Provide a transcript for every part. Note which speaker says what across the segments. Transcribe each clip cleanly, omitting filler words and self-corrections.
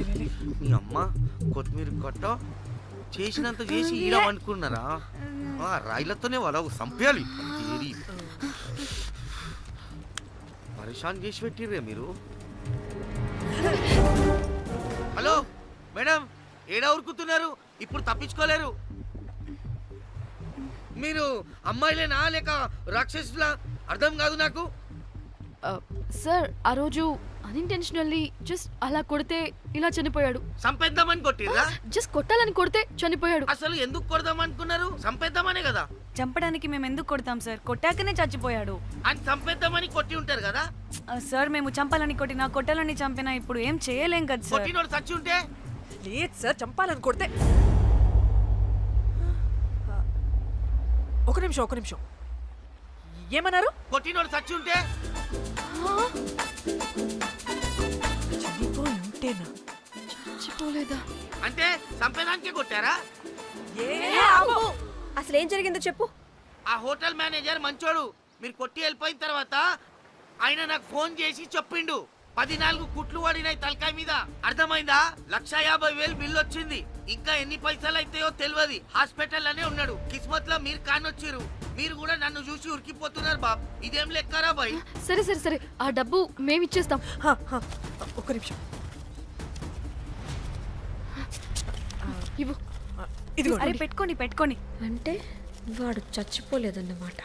Speaker 1: మీ అమ్మ కొత్తిమీర కట్ట చేసినంత చేసి ఈడ అనుకున్నారా? రాయిలతోనే వాళ్ళ సంపేయాలి. పరేషాన్ చేసి పెట్టిర్రే మీరు. హలో మేడం, ఏడా ఉరుకుతున్నారు? ఇప్పుడు తప్పించుకోలేరు. మీరు అమ్మాయిలేనా లేక రాక్షసులా? అర్థం కాదు నాకు.
Speaker 2: సార్ ఆ రోజు అన్ఇంటెన్షనల్లీ జస్ట్ అలా కొడితే ఇలా చనిపోయాడు.
Speaker 1: సంపేద్దామని కొట్టిర్రా?
Speaker 2: జస్ట్ కొట్టాలని కొడితే చనిపోయాడు.
Speaker 1: అసలు ఎందుకు కొడదాం అనుకున్నారు? సంపేద్దామనే కదా.
Speaker 3: చంపడానికి మేము ఎందుకు కొడతాం సార్? కొట్టాకనే చచ్చిపోయాడు.
Speaker 1: అని సంపేద్దామని కొట్టి ఉంటారు కదా
Speaker 3: సార్. మేము చంపాలని కొట్టినా కొట్టాలని చంపినా ఇప్పుడు ఏం చేయలేం కదా సార్.
Speaker 1: కొట్టినోడు చచ్చి ఉంటే?
Speaker 4: లేదు సార్, చంపాలని కొడితే. ఒక నిమిషం ఏమన్నారు?
Speaker 1: కొట్టినోడు చచ్చి ఉంటే?
Speaker 4: చనిపోయి ఉంటేనా?
Speaker 2: చచ్చిపోలేదా?
Speaker 1: అంటే సంపేదానికే కొట్టారా?
Speaker 5: అసలు ఏం జరిగిందో చెప్పు.
Speaker 1: ఆ హోటల్ మేనేజర్ మంచోడు. మీరు కొట్టి వెళ్ళిపోయిన తర్వాత ఆయన నాకు ఫోన్ చేసి చెప్పిండు 14 కుట్లు పడినాయి తలకాయ మీద. అర్థమైందా? 1,50,000 బిల్లు వచ్చింది. ఇంకా ఎన్ని పైసలు అయితాయో తెలియదు. హాస్పిటల్ అనే ఉన్నాడు. కిస్మత్ లో మీరు కానొచ్చిరు. మీరు కూడా నన్ను చూసి ఉరికిపోతున్నారు బాబ్. ఇదేం లెక్కరా బాయ్?
Speaker 2: సరే సరే సరే, ఆ డబ్బు మేమిచ్చేస్తాం.
Speaker 4: ఒక నిమిషం.
Speaker 2: ఇవ్వు.
Speaker 4: ఇదిగో.
Speaker 3: అరే పెట్టుకోండి.
Speaker 5: అంటే వాడు చచ్చిపోలేదన్నమాట.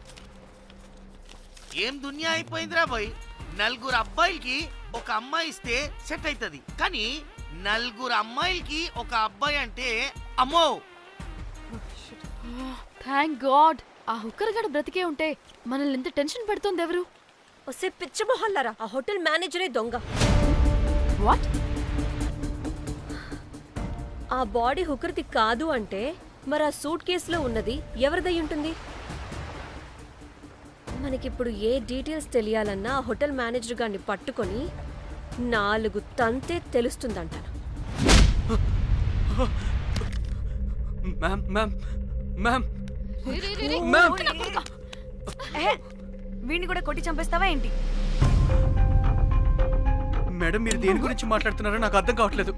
Speaker 1: ఏం దునియా అయిపోయిందిరా బాయ్. 4 అబ్బాయిలకి ఒక అమ్మాయి ఇస్తే సెట్ అవుతుంది, కానీ 4 అమ్మాయిలకి ఒక అబ్బాయి అంటే అమ్మో.
Speaker 2: థ్యాంక్ గాడ్ ఆ హుక్కర్ గడ బ్రతికే ఉంటే మనల్ని ఎంత టెన్షన్ పెడుతుంది ఎవరు?
Speaker 5: వస్తే పిచ్చ మొహల్లారా, ఆ హోటల్ మేనేజరే దొంగ.
Speaker 2: వాట్?
Speaker 5: ఆ బాడీ హుకర్ది కాదు అంటే మరి ఆ సూట్ కేసులో ఉన్నది ఎవరిదై ఉంటుంది? మనకిప్పుడు ఏ డీటెయిల్స్ తెలియాలన్నా ఆ హోటల్ మేనేజర్ గారిని పట్టుకొని 4 తంతే తెలుస్తుందంటాను.
Speaker 3: వీడిని కూడా కొట్టి చంపేస్తావా ఏంటి?
Speaker 6: మేడం, మీరు దేని గురించి మాట్లాడుతున్నారో నాకు అర్థం కావట్లేదు.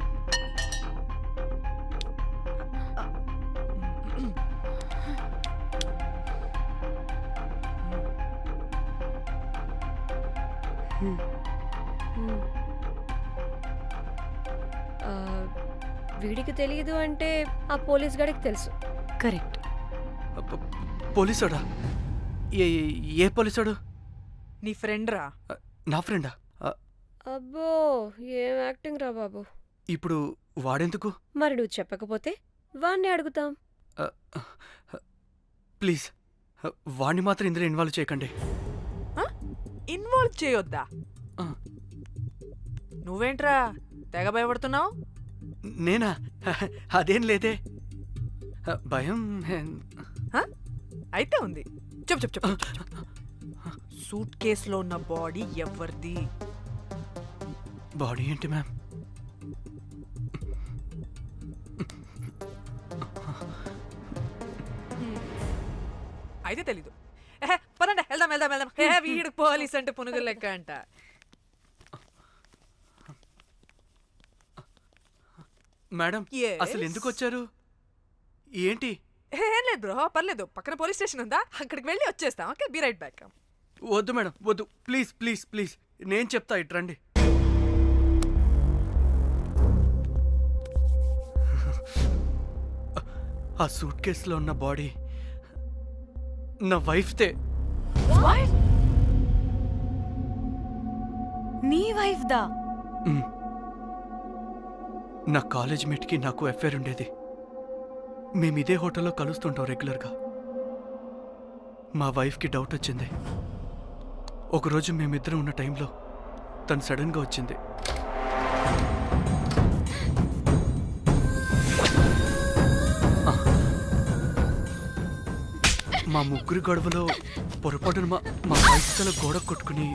Speaker 5: వీడికి తెలియదు అంటే ఆ పోలీస్ గాడికి తెలుసు.
Speaker 3: కరెక్ట్.
Speaker 6: పోలీసోడా? ఏ పోలీసోడు?
Speaker 4: నీ ఫ్రెండ్ రా.
Speaker 6: నా ఫ్రెండా?
Speaker 5: అబ్బో, ఏం యాక్టింగ్ రా బాబు.
Speaker 6: ఇప్పుడు వాడెందుకు?
Speaker 5: మరి నువ్వు చెప్పకపోతే వాణ్ణి అడుగుతాం.
Speaker 6: ప్లీజ్ వాణ్ణి మాత్రం ఇందులో ఇన్వాల్వ్ చేయకండి.
Speaker 4: ఇన్వాల్వ్ చేయొద్దా? నువ్వేంట్రా తెగ భయపడుతున్నావు?
Speaker 6: నేనా? అదేం లేదే. భయం
Speaker 4: అయితే ఉంది. చెప్పు. సూట్ కేసులో ఉన్న బాడీ ఎవరిది?
Speaker 6: బాడీ ఏంటి మ్యామ్?
Speaker 4: అయితే తెలీదు. పదండి, వెళ్దాం. వీడు పోలీస్ అంటే పునుగులు లెక్క అంట.
Speaker 6: మేడం, అసలు ఎందుకు వచ్చారు? ఏంటి?
Speaker 4: ఏం లేదు బ్రో, పర్లేదు. పక్కన పోలీస్ స్టేషన్ ఉందా, అక్కడికి వెళ్ళి వచ్చేస్తాం. Okay, be right back.
Speaker 6: వద్దు మేడం, వద్దు. ప్లీజ్ నేను చెప్తా, ఇటు రండి. ఆ సూట్ కేసులో ఉన్న బాడీ నా వైఫ్తే.
Speaker 3: నీ వైఫ్ దా?
Speaker 6: నా కాలేజ్ మేట్కి నాకు అఫైర్ ఉండేది. మేము ఇదే హోటల్లో కలుస్తుంటాం రెగ్యులర్గా. మా వైఫ్కి డౌట్ వచ్చింది. ఒకరోజు మేమిద్దరం ఉన్న టైంలో తను సడన్గా వచ్చింది. మా ముగ్గురి గొడవలో పొరపాటున మా వైఫ్ తల గోడ కొట్టుకుని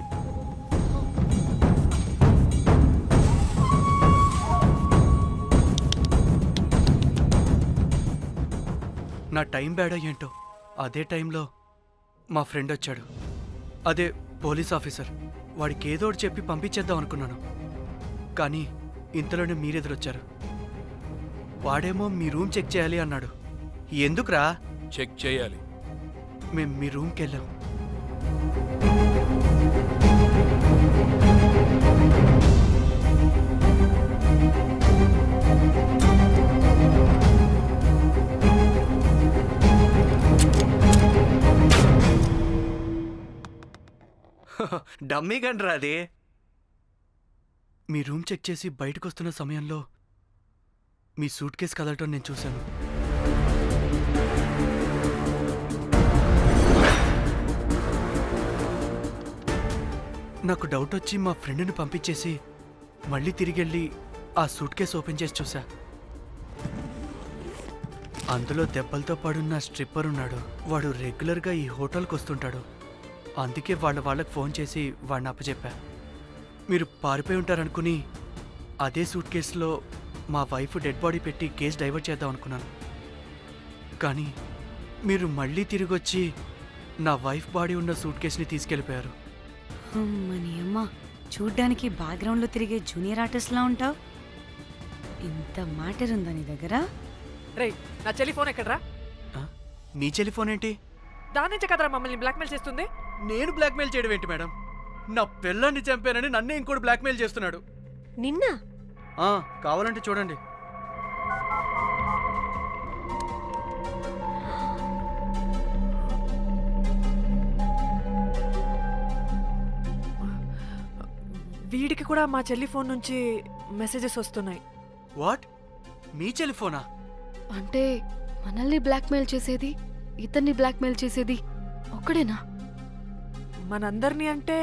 Speaker 6: నా టైం బ్యాడ్ ఏంటో అదే టైంలో మా ఫ్రెండ్ వచ్చాడు. అదే పోలీస్ ఆఫీసర్. వాడికి ఏదో ఒకటి చెప్పి పంపించేద్దాం అనుకున్నాను, కానీ ఇంతలోనే మీరెదురొచ్చారు. వాడేమో మీ రూమ్ చెక్ చేయాలి అన్నాడు. ఎందుకురా?
Speaker 7: చెక్ చేయాలి.
Speaker 6: మేము మీ రూమ్కి వెళ్ళాం.
Speaker 8: డమ్మీ గండ్రా అది.
Speaker 6: మీ రూమ్ చెక్ చేసి బయటకు వస్తున్న సమయంలో మీ సూట్ కేసు కదలటం నేను చూశాను. నాకు డౌట్ వచ్చి మా ఫ్రెండ్ని పంపించేసి మళ్ళీ తిరిగెళ్ళి ఆ సూట్ కేసు ఓపెన్ చేసి చూసా. అందులో దెబ్బలతో పడున్న స్ట్రిప్పర్ ఉన్నాడు. వాడు రెగ్యులర్గా ఈ హోటల్కి వస్తుంటాడు. అందుకే వాళ్ళకి ఫోన్ చేసి వాడిని అప్పచెప్పా. మీరు పారిపోయి ఉంటారనుకుని అదే సూట్ కేసులో మా వైఫ్ డెడ్ బాడీ పెట్టి కేసు డైవర్ట్ చేద్దాం అనుకున్నాను. కానీ మీరు మళ్ళీ తిరిగి వచ్చి నా వైఫ్ బాడీ ఉన్న సూట్ కేసుని తీసుకెళ్ళిపోయారు.
Speaker 3: అమ్మని అమ్మ, చూడ్డానికి బ్యాక్గ్రౌండ్లో తిరిగే జూనియర్ ఆర్టిస్ట్లా ఉంటావు. ఇంత మ్యాటర్ ఉందా నీ దగ్గర?
Speaker 4: రేయ్, నా చెల్లి ఫోన్ ఎక్కడరా?
Speaker 6: ఆ? మీ టెలిఫోన్ ఏంటి?
Speaker 4: దాని నుంచే కదరా మమ్మల్ని బ్లాక్మెయిల్ చేస్తుంది.
Speaker 6: నేను బ్లాక్మెయిల్ చేయడం ఏంటి మేడం? నా పిల్లాన్ని చంపానని నన్నే ఇంకోటి బ్లాక్మెయిల్ చేస్తున్నాడు.
Speaker 5: నిన్న
Speaker 6: కావాలంటే చూడండి.
Speaker 4: వీడికి కూడా మా చెల్లి ఫోన్ నుంచి మెసేజెస్ వస్తున్నాయి.
Speaker 6: వాట్? మీ టెలిఫోనా?
Speaker 2: అంటే మనల్ని బ్లాక్మెయిల్ చేసేది, ఇతన్ని బ్లాక్మెయిల్ చేసేది ఒక్కడేనా?
Speaker 4: మనందరినీ అంటే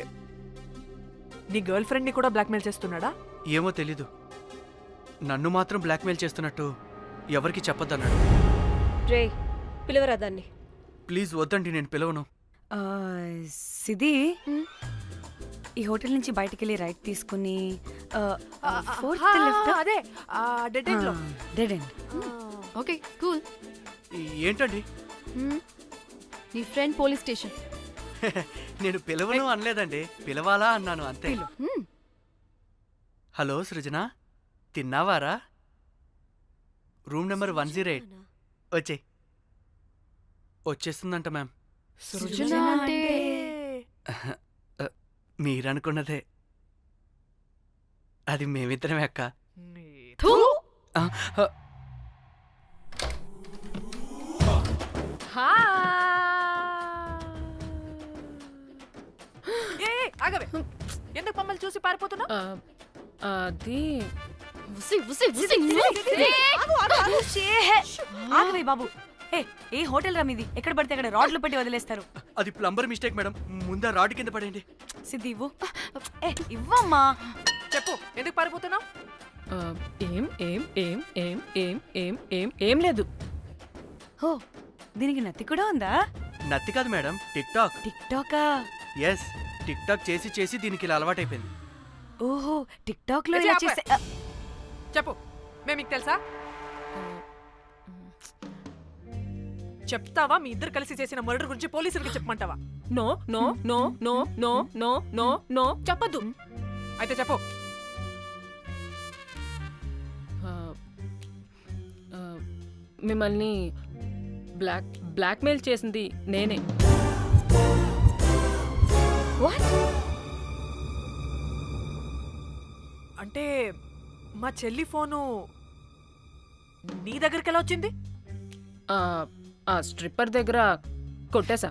Speaker 4: నీ గర్ల్ ఫ్రెండ్ని కూడా బ్లాక్మెయిల్ చేస్తున్నాడా?
Speaker 6: ఏమో తెలీదు. నన్ను మాత్రం బ్లాక్మెయిల్ చేస్తున్నట్టు ఎవరికి చెప్పొద్దన్నాడు.
Speaker 5: రే, పిలవరా దాన్ని.
Speaker 6: ప్లీజ్ వద్దండి, నేను పిలవను.
Speaker 3: ఆ, సిది, ఈ హోటల్ నుంచి బయటికి వెళ్ళి రైట్ తీసుకుని ఫోర్త్ లెఫ్ట్.
Speaker 4: అదే డెడ్ ఎండ్ లో.
Speaker 3: Dead end.
Speaker 2: Okay, cool.
Speaker 6: ఏంటండి?
Speaker 2: నీ ఫ్రెండ్ పోలీస్ స్టేషన్.
Speaker 6: నేను పిలవను అనలేదండి, పిలవాలా అన్నాను అంతే. హలో సృజన, తిన్నావారా? Room number 108. వచ్చేయ్. వచ్చేస్తుందంట మ్యామ్.
Speaker 2: సృజన అంటే
Speaker 6: మీరనుకున్నదే. అది మేమిద్దరమే అక్క.
Speaker 2: థూ!
Speaker 6: ఆ,
Speaker 4: ఆగవే, ఎందుకు మమ్మల్ని చూసి పారిపోతున్నా?
Speaker 2: అది ఉసి ఉసి ఉసి.
Speaker 3: ఆగవే బాబు. ఏ హోటల్ రా మీది? ఎక్కడ పడితే అక్కడ రాడ్లు పెట్టి వదిలేస్తారు.
Speaker 6: అది ప్లంబర్ మిస్టేక్ మేడం. ముందా రాడ్ కింద పడేయండి.
Speaker 3: సిద్ధి ఇవ్వు. ఇవ్వమ్మా.
Speaker 4: చెప్పు, ఎందుకు పారిపోతున్నావు?
Speaker 9: ఏం ఏం ఏం ఏం ఏం ఏం ఏం ఏం లేదు.
Speaker 3: హో, దీనికి నత్తి కూడా ఉందా?
Speaker 6: నత్తి కాదు మేడం, టిక్ టాక్.
Speaker 3: టిక్ టాకా?
Speaker 6: ఎస్, టిక్ టాక్ చేసి చేసి దీనికి ఇలా అలవాటైపోయింది.
Speaker 3: ఓహో, టిక్ టాక్ లో ఇలా చేస్తే.
Speaker 4: చెప్పు, మేము మీకు తెలుసా? చెప్తావా? మీ ఇద్దరు కలిసి చేసిన మర్డర్ గురించి పోలీసులకి చెప్పమంటావా?
Speaker 9: No no no no no no no no చెప్పద్దు.
Speaker 4: అయితే చెప్పు.
Speaker 9: మిమ్మల్ని బ్లాక్మెయిల్ చేసింది నేనే.
Speaker 4: అంటే మా చెల్లి ఫోను నీ దగ్గరికి ఎలా వచ్చింది?
Speaker 9: ఆ స్ట్రిప్పర్ దగ్గర కొట్టేశా.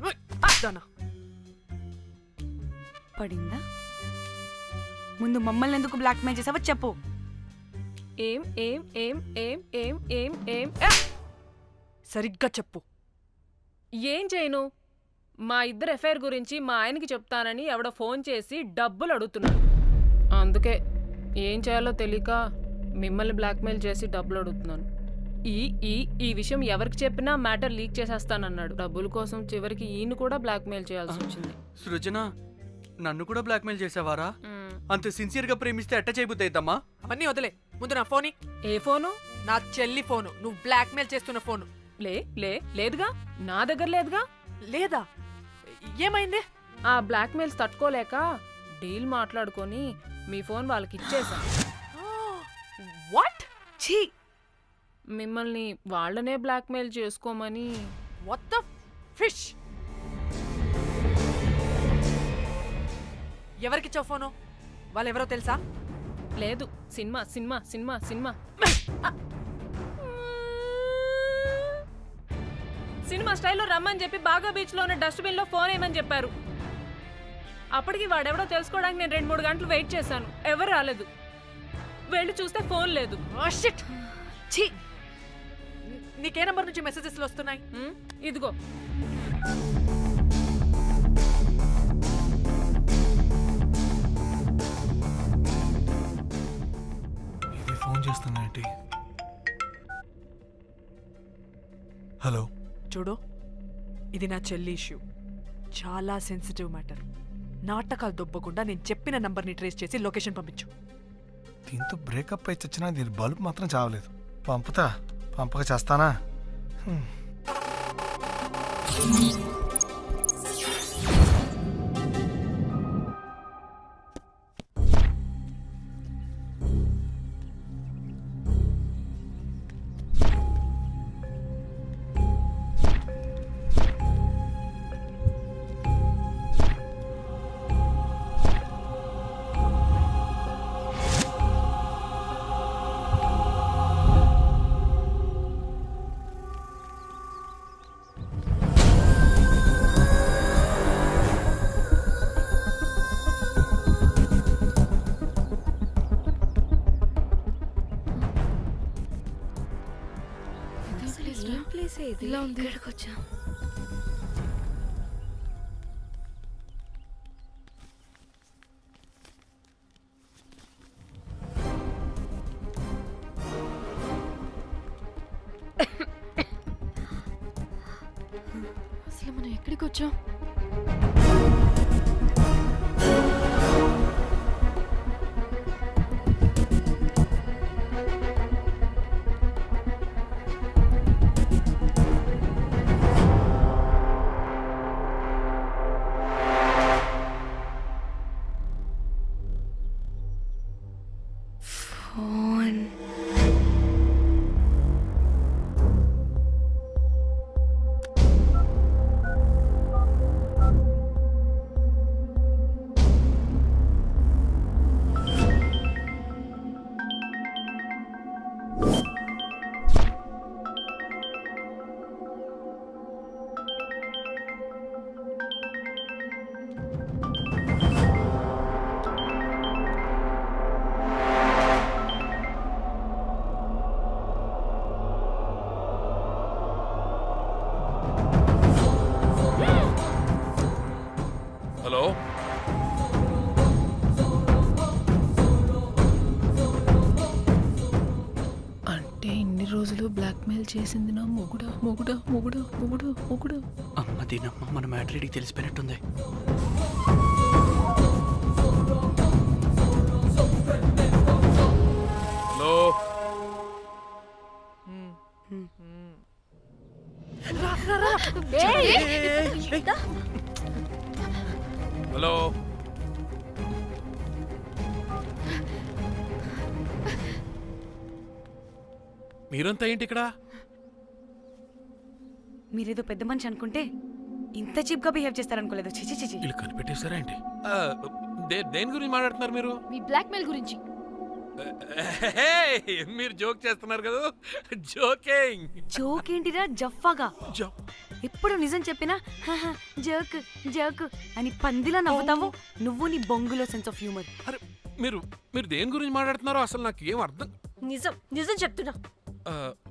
Speaker 3: పడిందా? ముందు మమ్మల్ని ఎందుకు బ్లాక్మెయిల్ చేసావో చెప్పు.
Speaker 9: ఏం ఏం ఏం ఏం ఏం ఏం ఏం
Speaker 4: సరిగ్గా చెప్పు.
Speaker 9: ఏం చేయను? మా ఇద్దరు ఎఫ్ఐఆర్ గురించి మా ఆయనకి చెప్తానని ఎవడో ఫోన్ చేసి డబ్బులు అడుగుతున్నాడు. అందుకే ఏం చేయాలో తెలియక మిమ్మల్ని బ్లాక్మెయిల్ చేసి డబ్బులు అడుగుతున్నాను. ఈ ఈ ఈ విషయం ఎవరికి చెప్పినా మ్యాటర్ లీక్ చేసేస్తానన్నాడు. డబ్బుల కోసం చివరికి ఈయన కూడా బ్లాక్మెయిల్ చేయాల్సి వచ్చింది.
Speaker 6: సృజన, నన్ను కూడా బ్లాక్మెయిల్ చేసావారా? అంత సిన్సియర్ గా ప్రేమిస్తే ఎట్ట చేయబుద్ది అయితమ్మా?
Speaker 4: అవన్నీ వదిలే, ముందు నా ఫోని.
Speaker 9: ఏ ఫోను?
Speaker 4: నా చెల్లి ఫోను. నువ్వు బ్లాక్మెయిల్ చేస్తున్న ఫోను.
Speaker 9: లేదుగా, నా దగ్గర లేదుగా.
Speaker 4: లేదా? ఏమైంది?
Speaker 9: ఆ బ్లాక్మెయిల్స్ తట్టుకోలేక డీల్ మాట్లాడుకొని మీ ఫోన్ వాళ్ళకి ఇచ్చేసా.
Speaker 4: వాట్?
Speaker 3: ఛీ,
Speaker 9: మిమ్మల్ని వాళ్ళనే బ్లాక్మెయిల్ చేసుకోమని.
Speaker 4: What the fish? ఎవరికిచ్చావు ఫోను? వాళ్ళెవరో తెలుసా?
Speaker 9: లేదు, cinema cinema cinema cinema cinema స్టైల్లో రమ్మని చెప్పి బాగా బీచ్లో ఉన్న డస్ట్బిన్లో ఫోన్ వేయమని చెప్పారు. అప్పటికి వాడెవడో తెలుసుకోవడానికి నేను 2-3 గంటలు వెయిట్ చేశాను. ఎవరు రాలేదు. వెళ్ళి చూస్తే ఫోన్ లేదు.
Speaker 4: Oh, shit. ఛీ, నీకే నంబర్ నుంచి మెసేజెస్లు వస్తున్నాయి?
Speaker 9: ఇదిగో.
Speaker 7: ఇది ఫోన్ చేస్తున్నా ఏంటి? హలో,
Speaker 4: చూడు, ఇది నా చెల్లి ఇష్యూ. చాలా సెన్సిటివ్ మ్యాటర్. నాటకాలు దొబ్బకుండా నేను చెప్పిన నంబర్ని ట్రేస్ చేసి లొకేషన్ పంపించు.
Speaker 7: దీంతో బ్రేకప్ అయి చచ్చినా దీని బల్బ్ మాత్రం చావలేదు. పంపుతా, పంపక చేస్తానా?
Speaker 5: ఏం ప్లేస్ ఇది?
Speaker 2: ఇలా ఉంది. ఇక్కడికి వచ్చా. అసలు మనం ఎక్కడికి వచ్చాం?
Speaker 3: ఫోన్.
Speaker 10: హలో,
Speaker 9: అంటే ఇన్ని రోజులు బ్లాక్మెయిల్ చేసింది నా మొగుడా మొగుడా మొగుడా మొగుడా మొగుడా.
Speaker 6: అమ్మ దీనమ్మ, మన మ్యాట్రీడికి తెలిసిపోయినట్టుంది.
Speaker 10: Hello, hello. మీరంతా ఏంటి ఇక్కడ?
Speaker 3: మీరేదో పెద్ద మనిషి అనుకుంటే ఇంత చీప్ గా బిహేవ్ చేస్తారనుకోలేదు. చిచి చిచి.
Speaker 10: వీళ్ళు కనిపెట్టేశారా ఏంటి? దేని గురించి మాట్లాడుతున్నారు మీరు?
Speaker 2: మీ బ్లాక్మెయిల్ గురించి.
Speaker 10: మీరు జోక్ చేస్తున్నారు కదా? జోకింగ్.
Speaker 3: జోక్ ఏంటిరా జఫ్ఫాగా? ఎప్పుడు నిజం చెప్పినా జోక్ జోక్ అని పందిలా నవ్వుతావు. నువ్వు నీ బొంగులో సెన్స్ ఆఫ్ హ్యూమర్.
Speaker 10: అరే, మీరు మీరు దేని గురించి మాట్లాడుతున్నారో అసలు నాకు ఏం అర్థం.
Speaker 5: నిజం నిజం చెప్తున్నా.
Speaker 10: ఆ,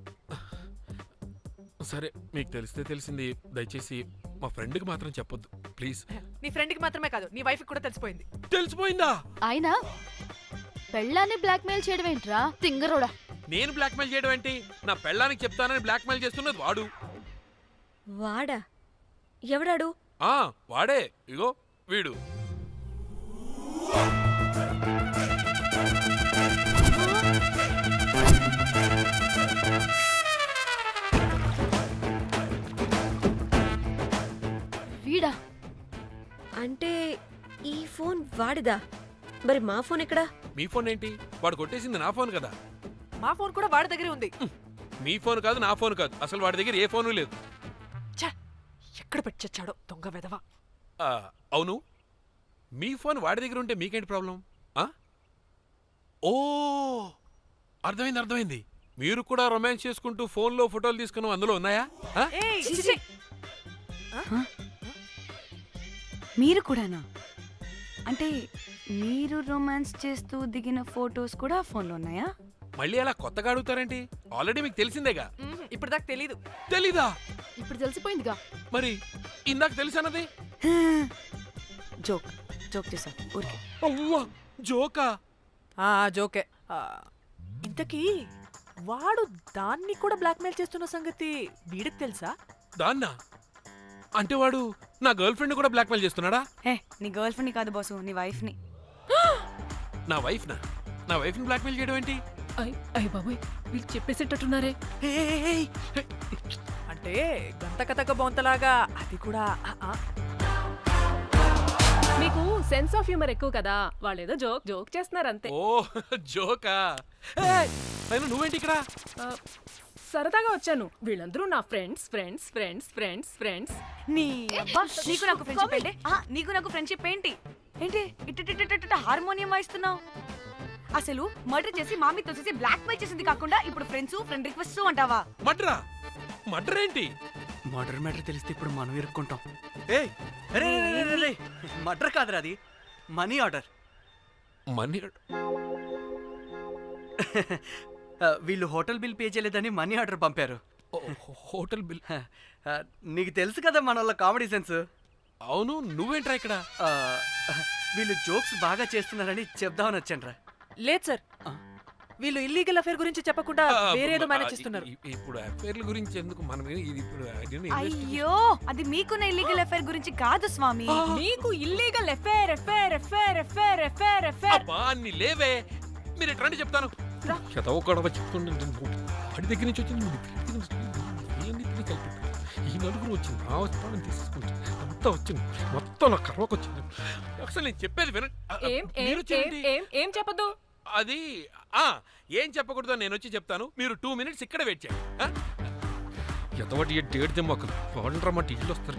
Speaker 10: సరే, మీకు తెలిస్తే తెలిసింది. దయచేసి మా ఫ్రెండ్కి మాత్రం చెప్పొద్దు ప్లీజ్.
Speaker 4: నీ ఫ్రెండ్కి మాత్రమే కాదు, నీ వైఫ్కి కూడా తెలిసిపోయింది.
Speaker 10: తెలిసిపోయిందా?
Speaker 2: ఆయన పెళ్ళాన్ని బ్లాక్మెయిల్ చేయడం ఏంట్రా తింగరోడా?
Speaker 10: నేను బ్లాక్మెయిల్ చేయడం ఏంటి? నా పెళ్ళానికి చెప్తానని బ్లాక్మెయిల్ చేస్తున్నది వాడు.
Speaker 5: వాడా? ఎవడాడు?
Speaker 10: వాడే. ఇగో వీడు.
Speaker 2: వీడా?
Speaker 5: అంటే ఈ ఫోన్ వాడిదా? మరి మా ఫోన్ ఎక్కడా?
Speaker 10: మీ ఫోన్ ఏంటి? వాడు కొట్టేసింది నా ఫోన్ కదా.
Speaker 4: మా ఫోన్ కూడా వాడి దగ్గరే ఉంది.
Speaker 10: మీ ఫోన్ కాదు, నా ఫోన్ కాదు, అసలు వాడి దగ్గర ఏ ఫోను లేదు.
Speaker 4: ఛ! ఎక్కడ పెట్టొచ్చాడో దొంగ వెధవ.
Speaker 10: ఆ, అవును, మీ ఫోన్ వాడి దగ్గర ఉంటే మీకేంటి ప్రాబ్లం? ఓ, అర్థమైంది అర్థమైంది. మీరు కూడా రొమాన్స్ చేసుకుంటూ ఫోన్లో ఫోటోలు తీసుకుని అందులో ఉన్నాయా?
Speaker 4: ఏయ్, చిచి!
Speaker 3: మీరు కూడానా? అంటే మీరు రొమాన్స్ చేస్తూ దిగిన ఫొటోస్ కూడా ఫోన్లో ఉన్నాయా?
Speaker 10: మళ్ళీ అలా కొత్తగా అడుగుతారేంటి? ఆల్రెడీ మీకు తెలిసిందేగా.
Speaker 4: ఇప్పుడు దాకా తెలీదు.
Speaker 10: తెలీదా?
Speaker 2: ఇప్పుడు తెలిసిపోయిందిగా.
Speaker 10: మరి ఇందాక తెలిసన్నది?
Speaker 3: జోక్ జోక్ చేశా ఊరికే.
Speaker 10: అవ్వా, జోకా?
Speaker 4: జోకే. ఇంతకీ వాడు దాన్ని కూడా బ్లాక్మెయిల్ చేస్తున్న సంగతి వీడికి తెలుసా?
Speaker 10: దాన్నా? అంటే వాడు నా గర్ల్ ఫ్రెండ్ కూడా బ్లాక్మెయిల్ చేస్తున్నాడా?
Speaker 3: హే, నీ గర్ల్ ఫ్రెండ్ని కాదు బాసు, నీ వైఫ్ని.
Speaker 10: నా వైఫ్నా? నా వైఫ్ని బ్లాక్మెయిల్ చేయడం ఏంటి?
Speaker 9: అయ్య బాబోయ్, వీళ్ళు చెప్పేసేటట్టున్నారే.
Speaker 4: అంటే గంత కథక బొంతలాగా అది కూడా
Speaker 9: మీకు సెన్స్ ఆఫ్ హ్యూమర్ ఎక్కువ కదా, వాళ్ళేదో జోక్ జోక్ చేస్తున్నారు అంతే.
Speaker 10: ఓ, జోకా? అయినా నువ్వేంటి ఇక్కడ?
Speaker 9: సరదాగా వచ్చాను. వీళ్ళందరూ నా friends friends friends friends friends.
Speaker 3: నీ అబ్బా, నీకు నాకు ఫ్రెండ్షిప్ ఏంటి? నీకు నాకు ఫ్రెండ్షిప్ ఏంటి? ఏంటి ఇట్ట హార్మోనియం వాయిస్తున్నావు? అసలు మర్డర్ చేసి మామితో చేసి బ్లాక్ మెయిల్ చేసింది కాకుండా ఇప్పుడు ఫ్రెండ్ రిక్వెస్ట్ అంటావా?
Speaker 10: మడ్రా? మడ్ర ఏంటి?
Speaker 6: మర్డర్ మ్యాటర్ తెలిస్తే ఇప్పుడు మనం ఇరుక్కుంటాం. ఏయ్, అరే మర్డర్ కాదురా, అది మనీ ఆర్డర్.
Speaker 10: మనీ?
Speaker 6: వీళ్ళు హోటల్ బిల్ పే చేయలేదని మనీ ఆర్డర్ పంపారు.
Speaker 10: Hotel bill?
Speaker 6: నీకు తెలుసు కదా మన వాళ్ళ కామెడీ సెన్స్.
Speaker 10: అవును, నువ్వేంట్రా ఇక్కడ?
Speaker 6: వీళ్ళు జోక్స్ బాగా చేస్తున్నారని చెప్దామని వచ్చాను రా.
Speaker 4: లేదు సార్, వీళ్ళు ఇల్లీగల్ అఫేర్ గురించి చెప్పకుండా వేరేదో మేనేజ్ చేస్తున్నారు.
Speaker 10: ఇప్పుడు అఫేర్ల గురించి ఎందుకు మనం ఇది ఇప్పుడు
Speaker 3: అయ్యో, అది మీకున్న ఇల్లీగల్ అఫేర్ గురించి కాదు స్వామి.
Speaker 9: మీకు illegal affair affair affair affair affair affair.
Speaker 10: అబ్బా, అన్ని లేవే. మీరు ఎట్లా చెప్తాను? చదవ గొడవ చెప్తుండే వాడి దగ్గర నుంచి వచ్చింది, ఈ నలుగురు వచ్చింది, ఆ వస్తానని తీసుకుంటే అంతా వచ్చింది, మొత్తం నా కర్వకు వచ్చింది. అసలు నేను చెప్పేది వినండి.
Speaker 9: ఏం చెప్పదు?
Speaker 10: అది ఏం చెప్పకూడదో నేను వచ్చి చెప్తాను. మీరు 2 minutes ఇక్కడ వెయిట్ చేయండి. ఎంతవాటి డేట్ దిమ్మకలు వాడంటారన్నమాట, ఇల్లు వస్తారు.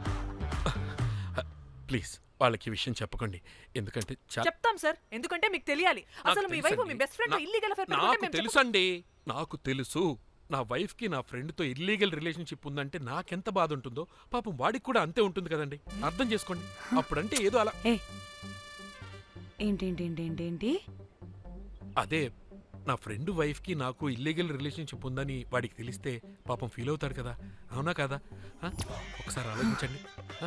Speaker 10: ప్లీజ్ వాళ్ళకి ఈ విషయం చెప్పకండి, ఎందుకంటే
Speaker 4: చెప్తాం సార్, ఎందుకంటే మీకు తెలియాలి. అసలు మీ వైఫ్ మీ బెస్ట్ ఫ్రెండ్ ఇల్లీగల్ అఫేర్
Speaker 10: నాకు తెలుసండి, నాకు తెలుసు. నా వైఫ్ కి నా ఫ్రెండ్ తో ఇల్లీగల్ రిలేషన్షిప్ ఉందంటే నాకెంత బాధ ఉంటుందో పాపం వాడికి కూడా అంతే ఉంటుంది కదండి. అర్థం చేసుకోండి. అప్పుడంటే ఏదో అలా.
Speaker 3: ఏంటి?
Speaker 10: అదే, నా ఫ్రెండ్ వైఫ్ కి నాకు ఇల్లీగల్ రిలేషన్షిప్ ఉందని వాడికి తెలిస్తే పాపం ఫీల్ అవుతాడు కదా, అవునా కదా? ఒకసారి ఆలోచించండి.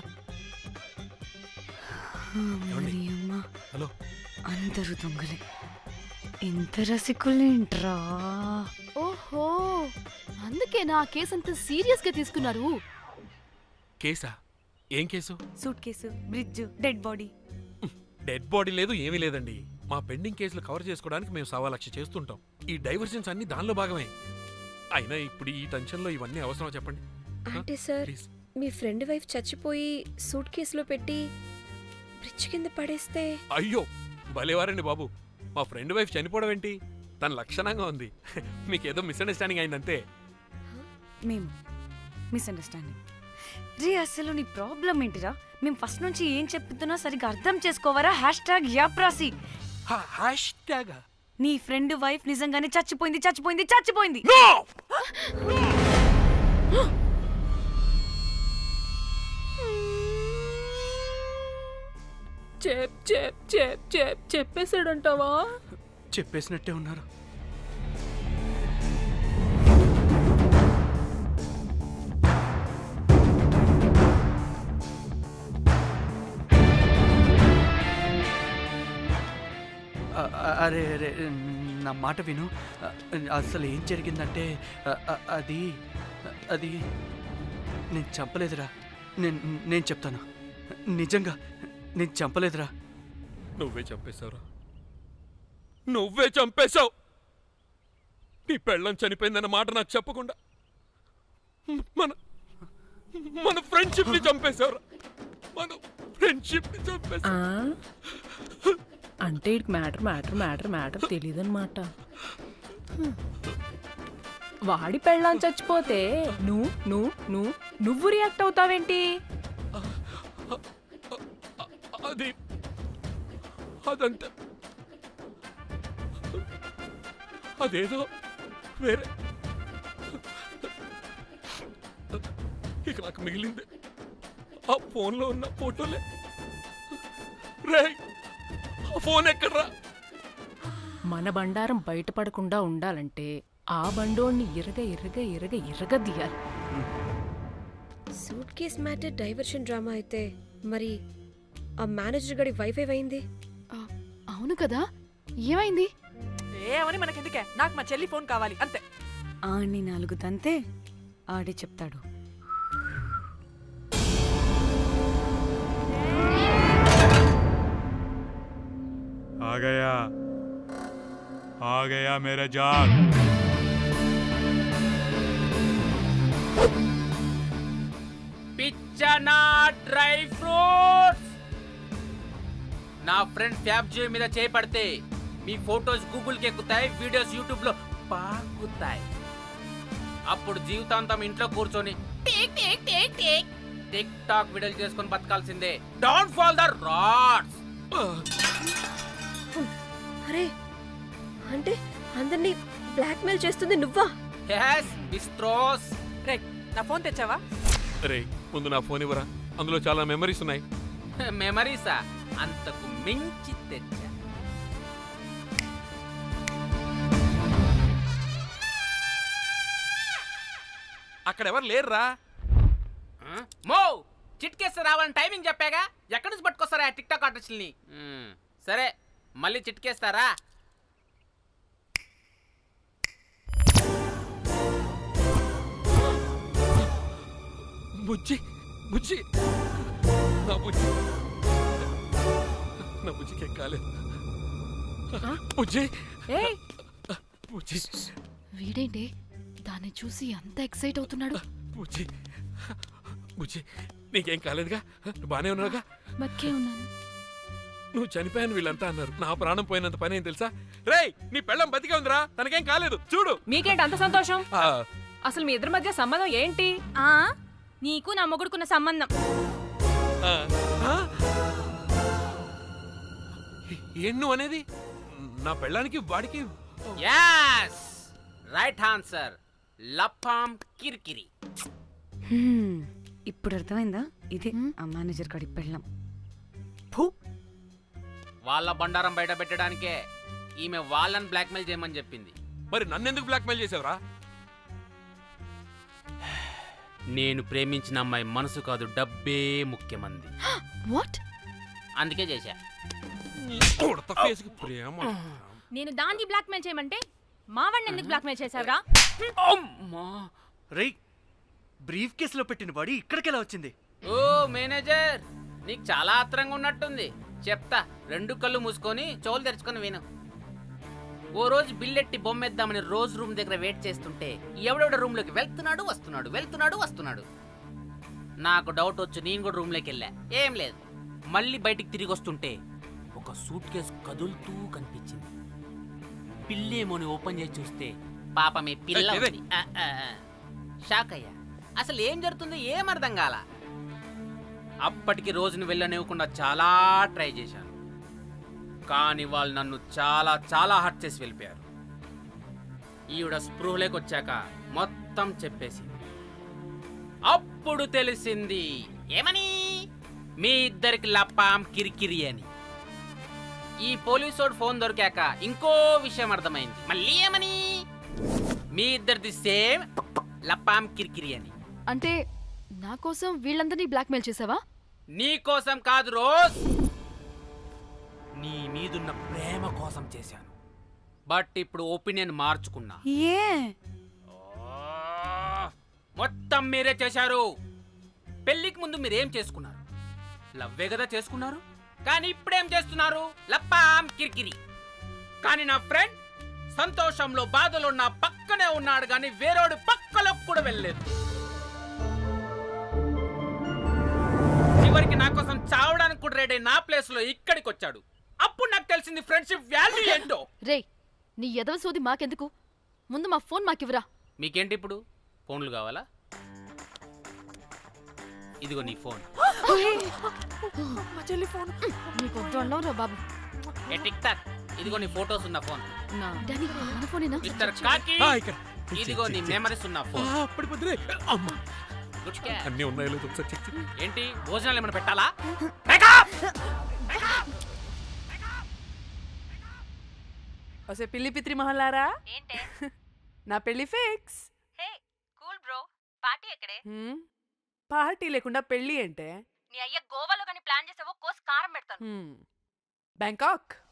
Speaker 10: హలో,
Speaker 3: అందరూ దొంగలే, ఇంత రసికులేంట్రా?
Speaker 2: ఓహో, అందుకే నా కేసు అంత సీరియస్ గా తీసుకున్నారు.
Speaker 10: కేసా? ఏం case?
Speaker 3: Suitcase, bridge, dead body.
Speaker 10: Dead body లేదు, ఏమీ లేదండి. మా పెండింగ్ కేసులు కవర్ చేసుకోవడానికి మేము 1,00,000 చేస్తుంటాం. ఈ డైవర్షన్స్ అన్ని దానిలో భాగమే. అయినా ఇప్పుడు ఈ టెన్షన్లో ఇవన్నీ అవసరమా చెప్పండి?
Speaker 5: అంటే సార్, మీ ఫ్రెండ్ వైఫ్ చచ్చిపోయి సూట్ కేసులో పెట్టి బ్రిడ్జ్ కింద పడేస్తే?
Speaker 10: అయ్యో, భలేవారండి బాబు. మా ఫ్రెండ్ వైఫ్ చనిపోవడం ఏంటి, తన లక్షణంగా ఉంది. మీకేదో మిస్అండర్స్టాండింగ్ అయిందంతే.
Speaker 3: మేము మిస్అండర్స్టాండింగ్ రీ? అసలు నీ ప్రాబ్లం ఏంటిరా? మేము ఫస్ట్ నుంచి ఏం చెప్తున్నా సరిగ్గా అర్థం చేసుకోవరా? #యాప్రాసి. నీ ఫ్రెండ్ వైఫ్ నిజంగానే చచ్చిపోయింది.
Speaker 9: చెప్పేసాడంటావా?
Speaker 6: చెప్పేసినట్టే ఉన్నారు. అరే అరే, నా మాట విను. అసలు ఏం జరిగిందంటే అది నేను చంపలేదురా. నేను చెప్తాను, నిజంగా నేను చంపలేదురా.
Speaker 10: నువ్వే చంపేశావురా, నువ్వే చంపేశావు. నీ పెళ్ళం చనిపోయిందన్న మాట నాకు చెప్పకుండా మన ఫ్రెండ్షిప్ ని చంపేశావురా. మన ఫ్రెండ్షిప్ ని చంపేశా.
Speaker 9: అంటే మ్యాటర్ తెలియదన్నమాట. వాడి పెళ్ళాం చచ్చిపోతే నువ్వు రియాక్ట్ అవుతావేంటి?
Speaker 10: అది అదంతా అదేదో వేరే. ఇక నాకు మిగిలింది ఆ ఫోన్లో ఉన్న ఫోటోలే. రేయ్, ఆ ఫోన్ ఎక్కడ్రా?
Speaker 9: మన బండారం బయటపడకుండా ఉండాలంటే ఆ బండోణ్ణి ఇరగ
Speaker 5: suitcase matter diversion drama అయితే మరి ఆ మేనేజర్ గడి వైఫై అయింది.
Speaker 2: అవును కదా, ఏమైంది?
Speaker 4: ఏమని మనకెందుకే, నాకు మా చెల్లి ఫోన్ కావాలి అంతే.
Speaker 3: ఆడిని 4 తంతే ఆడే చెప్తాడు.
Speaker 11: आ गया मेरा जान.
Speaker 1: పిచ్చనా డ్రై ఫ్రూట్స్. నా ఫ్రెండ్ ఫ్యాబ్ జే మీద చేపడితే మీ ఫోటోస్ గూగుల్కి ఎక్కుతాయి, వీడియోస్ యూట్యూబ్ లో పాకుతాయి. అప్పుడు జీవితాంతం ఇంట్లో కూర్చొని టిక్ టాక్ వీడియోలు చేసుకొని బతకాల్సిందే. Don't fall the rods.
Speaker 5: అరే అంటే అందరినీ బ్లాక్మెయిల్ చేస్తుంది నువ్వా?
Speaker 1: yes బిస్ట్రోస్.
Speaker 4: రే, నా ఫోన్ తెచ్చావా?
Speaker 10: రే, ముందు నా ఫోన్ ఇవ్వరా, అందులో చాలా మెమరీస్ ఉన్నాయి.
Speaker 1: మెమరీసా? అంతకు మించి తెచ్చా.
Speaker 10: అక్కడ ఎవరు లేరురా.
Speaker 1: మో చిట్కేస్తే రావాలని టైమింగ్ చెప్పాగా, ఎక్కడి నుంచి పట్టుకొస్తారా టిక్ టాక్ ఆర్టిస్టుల్ని? సరే మళ్ళీ చిట్కేస్తారా?
Speaker 10: బుజ్జి బుజ్జి నా బుజ్జి, నా బుజ్జికి ఏం కాలేదు. బుజ్జి
Speaker 9: ఏయ్,
Speaker 10: బుజ్జి
Speaker 2: వీడేంటి దాన్ని చూసి అంత ఎక్సైట్ అవుతున్నాడు?
Speaker 10: బుజ్జి బుజ్జి, నీకేం కాలేదుగా? నువ్వు బానే ఉన్నావుగా?
Speaker 2: బతికే ఉన్నాను.
Speaker 10: నువ్వు చనిపోయాను వీళ్ళంతా అన్నారు. నా ప్రాణం పోయినంత పని ఏం తెలుసా? రేయ్, నీ పెళ్ళం బతికే ఉందిరా, తనకేం కాలేదు. చూడు.
Speaker 9: మీకేంటి అంత సంతోషం?
Speaker 10: ఆ,
Speaker 9: అసలు మీ ఇద్దరి మధ్య సంబంధం ఏంటి?
Speaker 3: నీకు నా మొగుడుకున్న సంబంధం.
Speaker 10: ఆ, ఆ? ఏం నువ్వు అనేది? నా పెళ్ళానికి వాడికి
Speaker 1: yes రైట్ ఆన్సర్. లపాం కిరికిరి.
Speaker 3: ఇప్పుడు అర్థమైందా? ఇది ఆ మేనేజర్ గడి పెళ్ళం.
Speaker 1: వాళ్ళ బండారం బయట పెట్టడానికే ఈమె వాళ్ళని బ్లాక్మెయిల్ చేయమని చెప్పింది.
Speaker 10: మరి నన్నెందుకు బ్లాక్మెయిల్ చేసావురా?
Speaker 1: నేను ప్రేమించిన అమ్మాయి మనసు కాదు, డబ్బే ముఖ్యమంది.
Speaker 2: వాట్?
Speaker 1: అందుకే చేశా.
Speaker 10: ఉడత ఫేస్కి ప్రేమ.
Speaker 3: నేను దాన్ని బ్లాక్మెయిల్ చేయమంటే మావాడిని ఎందుకు బ్లాక్మెయిల్ చేసావురా?
Speaker 6: రేయ్, బ్రీఫ్ కేసులో పెట్టిన బాడీ ఇక్కడికి ఎలా వచ్చింది?
Speaker 1: ఓ మేనేజర్, నీకు చాలా ఆత్రంగా ఉన్నట్టుంది. చెప్తా, 2 కళ్ళు మూసుకొని చెవులు తెరుచుకొని విను. ఓ రోజు బిల్లెట్టి బొమ్మేద్దామని రోజు రూమ్ దగ్గర వెయిట్ చేస్తుంటే ఎవడెవడ రూమ్ లోకి వెళ్తున్నాడు. నాకు డౌట్ వచ్చి నేను కూడా రూమ్ లోకి వెళ్ళా. ఏం లేదు. మళ్ళీ బయటికి తిరిగి వస్తుంటే ఒక సూట్ కేసు కదులుతూ కనిపించింది. పిల్లేమోని ఓపెన్ చేసి చూస్తే పాపమే పిల్ల ఉంది. షాక్ అయ్యా. అసలు ఏం జరుగుతుందో ఏం అర్థం కాల. అప్పటికి రోజును వెళ్ళనివ్వకుండా చాలా ట్రై చేశాను, కానీ వాళ్ళు నన్ను చాలా చాలా హర్ట్ చేసి వెళ్ళిపోయారు. ఈవిడ స్పృహలోకి వచ్చాక మొత్తం చెప్పేసింది. అప్పుడు తెలిసింది ఏమని, మీ ఇద్దరికి లపాం కిరికిరి అని. ఈ పోలీసోడు ఫోన్ దొరికాక ఇంకో విషయం అర్థమైంది. మళ్ళీ ఏమని, మీ ఇద్దరిది సేమ్ లపాం కిరికిరి అని.
Speaker 2: అంటే నా కోసం వీళ్ళందరినీ బ్లాక్మెయిల్ చేసావా?
Speaker 1: నీ కోసం కాదు రోజ్, నీ మీదున్న ప్రేమ కోసం చేశాను. బట్ ఇప్పుడు ఒపీనియన్ మార్చుకున్నా. మొత్తం మీరే చేశారు. పెళ్లికి ముందు మీరేం చేసుకున్నారు? లవ్వే కదా చేసుకున్నారు. కానీ ఇప్పుడేం చేస్తున్నారు? లప్పాం కిరికిరి. కానీ నా ఫ్రెండ్ సంతోషంలో బాధలో నా పక్కనే ఉన్నాడు, కానీ వేరేడు పక్కలో కూడా వెళ్ళలేదు. చివరికి నా కోసం చావడానికి కూడా రెడీ నా ప్లేస్ లో ఇక్కడికి వచ్చాడు. అప్పుడు నాకు తెలిసింది ఫ్రెండ్షిప్ వాల్యూ ఏంటో.
Speaker 2: రే, నీ ఎదవ సోది మాకెందుకు? ముందు మా ఫోన్ మాకివ్వరా.
Speaker 1: మీకేంటి ఇప్పుడు ఫోన్లు కావాలా? ఇదిగో నీ ఫోన్.
Speaker 4: మా చెల్లి ఫోన్.
Speaker 2: నీకు వద్దు అన్నావు రా బాబు.
Speaker 1: ఏ టిక్ టాక్, ఇదిగో నీ ఫోటోస్ ఉన్న ఫోన్.
Speaker 2: డాడీ మన ఫోనేనా?
Speaker 1: మిస్టర్ కాకి,
Speaker 10: ఇక్కడ
Speaker 1: ఇదిగో నీ మెమరీస్ ఉన్న ఫోన్.
Speaker 10: పడిపోతుంది. అమ్మా
Speaker 1: గుడ్ క్యాచ్.
Speaker 10: అన్నీ ఉన్నాయో లేదో ఒకసారి చెక్ చెయ్యి.
Speaker 1: ఏంటి భోజనాలు ఏమైనా పెట్టాలా?
Speaker 4: వసే పిల్లి పిత్రి మహల్లారా,
Speaker 3: ఏంటే
Speaker 4: నా పెళ్లి fix.
Speaker 3: Hey cool bro, party ఎక్కడే?
Speaker 4: పార్టీ లేకుండా పెళ్లి అంటే
Speaker 3: నీ అయ్య గోవాలో కానీ ప్లాన్ చేసావో కోసి కారం పెడతాను.
Speaker 4: బ్యాంకాక్.